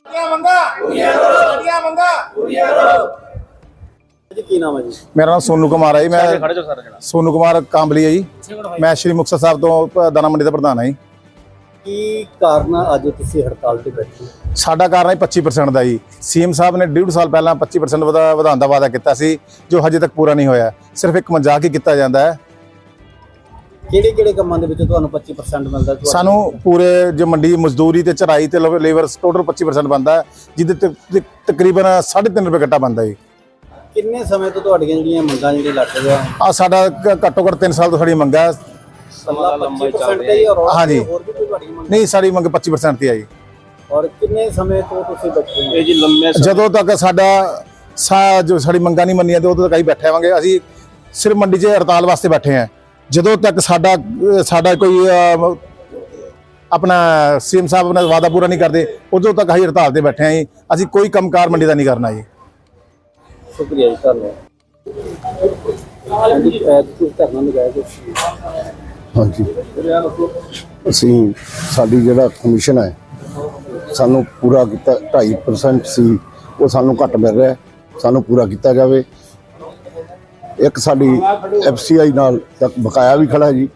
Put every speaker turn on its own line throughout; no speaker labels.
ਕੀ ਨਾਮ ਹੈ ਜੀ?
मेरा नाम सोनू कुमार है जी। मैं सोनू कुमार कांबली है जी। मैं श्री मुक्तसर साहब तो दाना मंडी का प्रधान है जी।
ਕੀ ਕਾਰਨ ਆ ਅੱਜ ਤੁਸੀਂ ਹੜਤਾਲ ਤੇ ਬੈਠੇ ਹੋ?
ਸਾਡਾ ਕਾਰਨ ਹੈ 25% ਦਾ ਜੀ। ਸੀਐਮ ਸਾਹਿਬ ਨੇ 1.5 ਸਾਲ ਪਹਿਲਾਂ 25% ਵਧਾਉਣ ਦਾ ਵਾਅਦਾ ਕੀਤਾ ਸੀ, ਜੋ ਹਜੇ ਤੱਕ ਪੂਰਾ ਨਹੀਂ ਹੋਇਆ। ਸਿਰਫ ਇੱਕ ਮਜ਼ਾਕ ਹੀ ਕੀਤਾ ਜਾਂਦਾ ਹੈ।
ਕਿਹੜੇ ਕਿਹੜੇ ਕੰਮਾਂ ਦੇ ਵਿੱਚ ਤੁਹਾਨੂੰ 25% ਮਿਲਦਾ?
ਸਾਨੂੰ ਪੂਰੇ ਜੋ ਮੰਡੀ ਮਜ਼ਦੂਰੀ ਤੇ ਚਰਾਈ ਤੇ ਲੇਬਰ ਟੋਟਲ 25% ਬਣਦਾ ਹੈ, ਜਿਹਦੇ ਤੇ ਤਕਰੀਬਨ 3.5 ਰੁਪਏ ਘੱਟਾ ਬਣਦਾ ਜੀ।
ਕਿੰਨੇ ਸਮੇਂ ਤੋਂ ਤੁਹਾਡੀਆਂ ਜਿਹੜੀਆਂ ਮੰਗਾਂ ਜਿਹੜੀਆਂ ਲੱਗ ਰਹੀਆਂ
ਆ ਸਾਡਾ ਘੱਟੋ ਘੱਟ 3 ਸਾਲ ਤੋਂ ਸਾਡੀ ਮੰਗ ਹੈ।
25% ਤੇ ਹੀ ਔਰ
हाँ जी।
ਹੋਰ ਵੀ ਕੋਈ ਤੁਹਾਡੀ ਮੰਗ?
ਨਹੀਂ, ਸਾਡੀ ਮੰਗ 25% ਤੇ ਆ ਜੀ।
ਔਰ ਕਿੰਨੇ ਸਮੇਂ ਤੋਂ ਤੁਸੀਂ ਬੈਠੇ ਹੋ? ਇਹ ਜੀ ਲੰਮੇ
ਜਦੋਂ ਤੱਕ ਜੋ ਸਾਡੀ ਮੰਗਾਂ ਨਹੀਂ ਮੰਨੀਆਂ ਤੇ ਉਦੋਂ ਤੱਕ ਅਸੀਂ ਬੈਠੇ ਹੋਵਾਂਗੇ। ਅਸੀਂ ਸਿਰਫ ਮੰਡੀ 'ਚ ਹੜਤਾਲ ਵਾਸਤੇ ਬੈਠੇ ਹਾਂ। ਜਦੋਂ ਤੱਕ ਸਾਡਾ ਕੋਈ ਆਪਣਾ ਸੀਐਮ ਸਾਹਿਬ ਆਪਣਾ ਵਾਅਦਾ ਪੂਰਾ ਨਹੀਂ ਕਰਦੇ, ਉਦੋਂ ਤੱਕ ਅਸੀਂ ਹੜਤਾਲ ਤੇ ਬੈਠੇ ਹਾਂ ਜੀ। ਅਸੀਂ ਕੋਈ ਕੰਮਕਾਰ ਮੰਡੀ ਦਾ ਨਹੀਂ ਕਰਨਾ ਜੀ।
ਸ਼ੁਕਰੀਆ ਜੀ, ਧੰਨਵਾਦ। ਤੁਸੀਂ ਧਰਨਾ ਲਗਾਇਆ ਤੁਸੀਂ?
ਹਾਂਜੀ, ਅਸੀਂ ਸਾਡੀ ਜਿਹੜਾ ਕਮਿਸ਼ਨ ਹੈ ਸਾਨੂੰ ਪੂਰਾ ਕੀਤਾ 2.5% ਸੀ, ਉਹ ਸਾਨੂੰ ਘੱਟ ਮਿਲ ਰਿਹਾ, ਸਾਨੂੰ ਪੂਰਾ ਕੀਤਾ ਜਾਵੇ। ਇੱਕ ਸਾਡੀ FCI ਨਾਲ ਤੱਕ ਬਕਾਇਆ ਵੀ ਖੜਾ ਜੀ।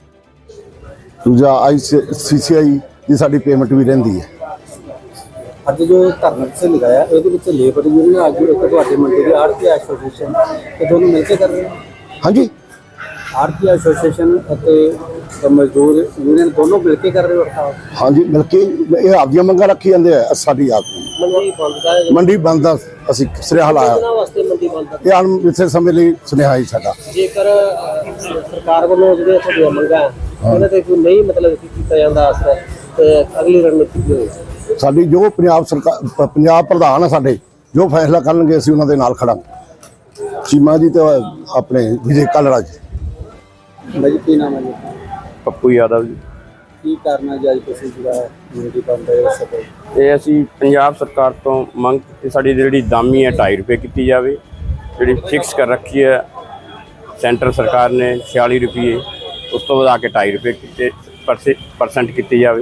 ਦੂਜਾ ICCI ਦੀ ਸਾਡੀ ਪੇਮੈਂਟ ਵੀ ਰਹਿੰਦੀ ਹੈ।
ਅੱਜ ਜੋ ਧਰਨਾ ਤੁਸੀਂ ਲਗਾਇਆ ਇਹਦੇ ਵਿੱਚ ਲੇਬਰ ਯੂਨੀਅਨ ਆਗੂ ਇੱਕ ਤੁਹਾਡੇ ਮੰਡੀ ਦੀ ਆੜਤੀ ਐਸੋਸੀਏਸ਼ਨ ਤੇ ਦੋਨੋਂ ਮਿਲ ਕੇ ਕਰ ਰਹੇ ਹੋ?
ਹਾਂਜੀ,
ਆੜਤੀ ਐਸੋਸੀਏਸ਼ਨ ਅਤੇ ਮਜ਼ਦੂਰ ਯੂਨੀਅਨ ਦੋਨੋਂ ਮਿਲ ਕੇ ਕਰ ਰਹੇ ਹੋ ਹੜਤਾਲ?
ਹਾਂਜੀ, ਮਿਲ ਕੇ ਇਹ ਆਪਦੀਆਂ ਮੰਗਾਂ ਰੱਖੀ ਜਾਂਦੇ ਆ। ਸਾਡੀ ਆਪ
ਮੰਡੀ ਬੰਦ ਦਾ
ਮੰਡੀ ਬੰਦ ਦਾ ਅਸੀਂ ਸੁਨੇਹਾ ਲਾਇਆ।
ਇਹਨਾਂ ਵਾਸਤੇ ਮੰਡੀ ਬੰਦ ਦਾ
ਇਹ ਅਣਮਿੱਥੇ ਸਮੇਂ ਲਈ ਸੁਨੇਹਾ ਹੀ ਸਾਡਾ।
ਜੇਕਰ ਸਰਕਾਰ ਵੱਲੋਂ ਜਿਹੜੇ ਤੁਹਾਡੀਆਂ ਮੰਗਾਂ ਉਹਨਾਂ ਤੇ ਕੋਈ ਨਹੀਂ ਮਤਲਬ ਕੀਤਾ ਜਾਂਦਾ ਅਸਰ ਤੇ ਅਗਲੀ ਰਣਨੀਤੀ ਕੀ ਹੋਏਗੀ?
ਸਾਡੀ ਜੋ ਪੰਜਾਬ ਸਰਕਾਰ ਪੰਜਾਬ ਪ੍ਰਧਾਨ ਆ ਸਾਡੇ, ਜੋ ਫੈਸਲਾ ਕਰਨਗੇ ਅਸੀਂ ਉਹਨਾਂ ਦੇ ਨਾਲ ਖੜਾਂਗੇ। ਚੀਮਾ ਜੀ ਤੇ ਆਪਣੇ ਵਿਜੇ ਕਾਲੜਾ ਜੀ।
ਭਾਈ ਕੀ ਨਾਮ ਹੈ ਜੀ?
ਪੱਪੂ ਯਾਦਵ ਜੀ।
ਕੀ ਕਰਨਾ ਜੀ ਅੱਜ ਤੁਸੀਂ ਜਿਹੜਾ ਮੰਡੀ ਬੰਦ ਹੈ ਇਸ ਤੇ?
ਇਹ ਅਸੀਂ ਪੰਜਾਬ ਸਰਕਾਰ ਤੋਂ ਮੰਗ ਕੀਤੀ, ਸਾਡੀ ਜਿਹੜੀ ਦਾਮੀ ਹੈ 2.5 ਰੁਪਏ ਕੀਤੀ ਜਾਵੇ। ਜਿਹੜੀ ਫਿਕਸ ਕਰ ਰੱਖੀ ਹੈ ਸੈਂਟਰ ਸਰਕਾਰ ਨੇ 46 ਰੁਪਏ, ਉਸ ਤੋਂ ਵਧਾ ਕੇ 2.5 ਰੁਪਏ ਕੀਤੇ % ਕੀਤੀ ਜਾਵੇ।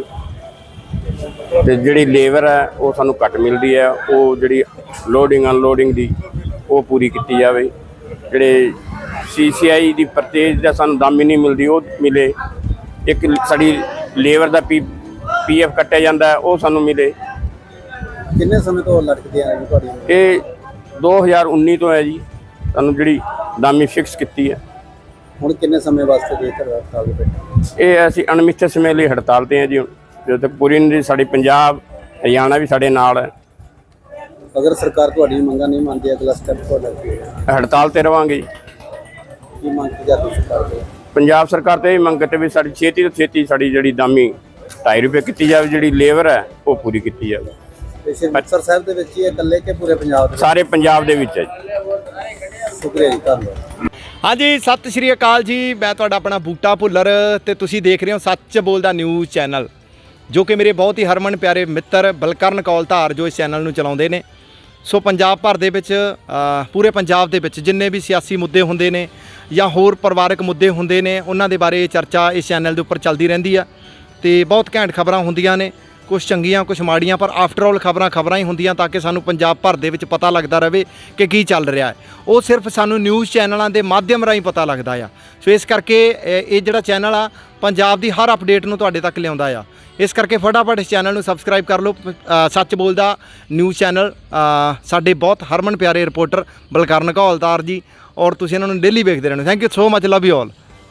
ਤੇ ਜਿਹੜੀ ਲੇਬਰ ਹੈ ਉਹ ਸਾਨੂੰ ਘੱਟ ਮਿਲਦੀ ਹੈ, ਉਹ ਜਿਹੜੀ ਲੋਡਿੰਗ ਅਨਲੋਡਿੰਗ ਦੀ ਉਹ ਪੂਰੀ ਕੀਤੀ ਜਾਵੇ। ਜਿਹੜੇ CCI ਦੀ ਪਰਚੇਜ ਦਾ ਸਾਨੂੰ ਦਾਮੀ ਨਹੀਂ ਮਿਲਦੀ, ਉਹ ਮਿਲੇ। ਇੱਕ ਸਾਡੀ ਲੇਬਰ ਦਾ PF ਕੱਟਿਆ ਜਾਂਦਾ ਹੈ, ਉਹ ਸਾਨੂੰ ਮਿਲੇ।
ਕਿੰਨੇ ਸਮੇਂ ਤੋਂ ਲਟਕਦੇ ਆ ਜੀ ਤੁਹਾਡੀ?
ਇਹ 2019 ਤੋਂ ਹੈ ਜੀ, ਸਾਨੂੰ ਜਿਹੜੀ ਦਾਮੀ ਫਿਕਸ ਕੀਤੀ ਹੈ।
ਹੁਣ ਕਿੰਨੇ ਸਮੇਂ ਵਾਸਤੇ ਜੇਕਰ ਹੜਤਾਲ ਤੇ ਬੈਠੇ?
ਇਹ ਅਸੀਂ ਅਣਮਿੱਥੇ ਸਮੇਂ ਲਈ ਹੜਤਾਲ ਤੇ ਹਾਂ ਜੀ। ਜਦੋਂ ਤੱਕ ਪੂਰੀ ਨਹੀਂ, ਸਾਡੀ ਪੰਜਾਬ ਹਰਿਆਣਾ ਵੀ ਸਾਡੇ ਨਾਲ ਹੈ।
ਅਗਰ ਸਰਕਾਰ ਤੁਹਾਡੀ ਮੰਗਾਂ ਨਹੀਂ ਮੰਨਦੀ, ਅਗਲਾ ਸਟੈਪ ਤੁਹਾਡਾ ਕੀ ਹੋਵੇਗਾ?
ਹੜਤਾਲ ਤੇ ਰਵਾਂਗੇ।
ਕੀ ਮੰਗ ਕੀ ਜਾਂਦੀ ਸਰਕਾਰ ਤੋਂ?
ਪੰਜਾਬ ਸਰਕਾਰ ਤੇ ਇਹ ਮੰਗ ਕਰਦੇ ਵੀ ਸਾਡੀ ਛੇਤੀ ਤੋਂ ਛੇਤੀ ਸਾਡੀ ਜਿਹੜੀ ਦਾਮੀ 2.5 ਰੁਪਏ ਕੀਤੀ ਜਾਵੇ, ਜਿਹੜੀ ਲੇਬਰ ਹੈ ਉਹ ਪੂਰੀ ਕੀਤੀ ਜਾਵੇ।
ਤੇ ਸਿਰਫ ਮੁਕਤਸਰ ਸਾਹਿਬ ਦੇ ਵਿੱਚ ਹੀ ਇਕੱਲੇ ਕਿ ਪੂਰੇ ਪੰਜਾਬ ਦੇ?
ਸਾਰੇ ਪੰਜਾਬ ਦੇ ਵਿੱਚ ਹੈ ਜੀ।
ਸ਼ੁਕਰੀਆ ਜੀ, ਧੰਨਵਾਦ।
ਹਾਂਜੀ, ਸਤਿ ਸ਼੍ਰੀ ਅਕਾਲ ਜੀ। ਮੈਂ ਤੁਹਾਡਾ ਆਪਣਾ ਬੂਟਾ ਭੁੱਲਰ ਤੇ ਤੁਸੀਂ ਦੇਖ ਰਹੇ ਹੋ ਸੱਚ ਬੋਲਦਾ ਨਿਊਜ਼ ਚੈਨਲ, ਜੋ ਕਿ ਮੇਰੇ ਬਹੁਤ ਹੀ ਹਰਮਨ ਪਿਆਰੇ ਮਿੱਤਰ ਬਲਕਰਨ ਕੌਲਧਾਰ ਜੋ ਇਸ ਚੈਨਲ ਨੂੰ ਚਲਾਉਂਦੇ ਨੇ। ਸੋ ਪੰਜਾਬ ਭਰ ਦੇ ਵਿੱਚ ਪੂਰੇ ਪੰਜਾਬ ਦੇ ਵਿੱਚ ਜਿੰਨੇ ਵੀ ਸਿਆਸੀ ਮੁੱਦੇ ਹੁੰਦੇ ਨੇ ਜਾਂ ਹੋਰ ਪਰਿਵਾਰਕ ਮੁੱਦੇ ਹੁੰਦੇ ਨੇ, ਉਹਨਾਂ ਦੇ ਬਾਰੇ ਚਰਚਾ ਇਸ ਚੈਨਲ ਦੇ ਉੱਪਰ ਚੱਲਦੀ ਰਹਿੰਦੀ ਆ। ਤੇ ਬਹੁਤ ਘੈਂਟ ਖਬਰਾਂ ਹੁੰਦੀਆਂ ਨੇ, ਕੁਛ ਚੰਗੀਆਂ ਕੁਛ ਮਾੜੀਆਂ, ਪਰ ਆਫਟਰ ਆਲ ਖਬਰਾਂ ਹੀ ਹੁੰਦੀਆਂ ਤਾਂ ਕਿ ਸਾਨੂੰ ਪੰਜਾਬ ਭਰ ਦੇ ਵਿੱਚ ਪਤਾ ਲੱਗਦਾ ਰਹੇ ਕਿ ਕੀ ਚੱਲ ਰਿਹਾ ਹੈ। ਉਹ ਸਿਰਫ ਸਾਨੂੰ ਨਿਊਜ਼ ਚੈਨਲਾਂ ਦੇ ਮਾਧਿਅਮ ਰਾਹੀਂ ਪਤਾ ਲੱਗਦਾ ਆ। ਸੋ ਇਸ ਕਰਕੇ ਇਹ ਜਿਹੜਾ ਚੈਨਲ ਆ ਪੰਜਾਬ ਦੀ ਹਰ ਅਪਡੇਟ ਨੂੰ ਤੁਹਾਡੇ ਤੱਕ ਲਿਆਉਂਦਾ ਆ। ਇਸ ਕਰਕੇ ਫਟਾਫਟ ਇਸ ਚੈਨਲ ਨੂੰ ਸਬਸਕ੍ਰਾਈਬ ਕਰ ਲਓ। ਸੱਚ ਬੋਲਦਾ ਨਿਊਜ਼ ਚੈਨਲ, ਸਾਡੇ ਬਹੁਤ ਹਰਮਨ ਪਿਆਰੇ ਰਿਪੋਰਟਰ ਬਲਕਰਨ ਕੌਲਧਾਰ ਜੀ, ਔਰ ਤੁਸੀਂ ਇਹਨਾਂ ਨੂੰ ਡੇਲੀ ਵੇਖਦੇ ਰਹਿਣਾ। Thank you so much, love you all.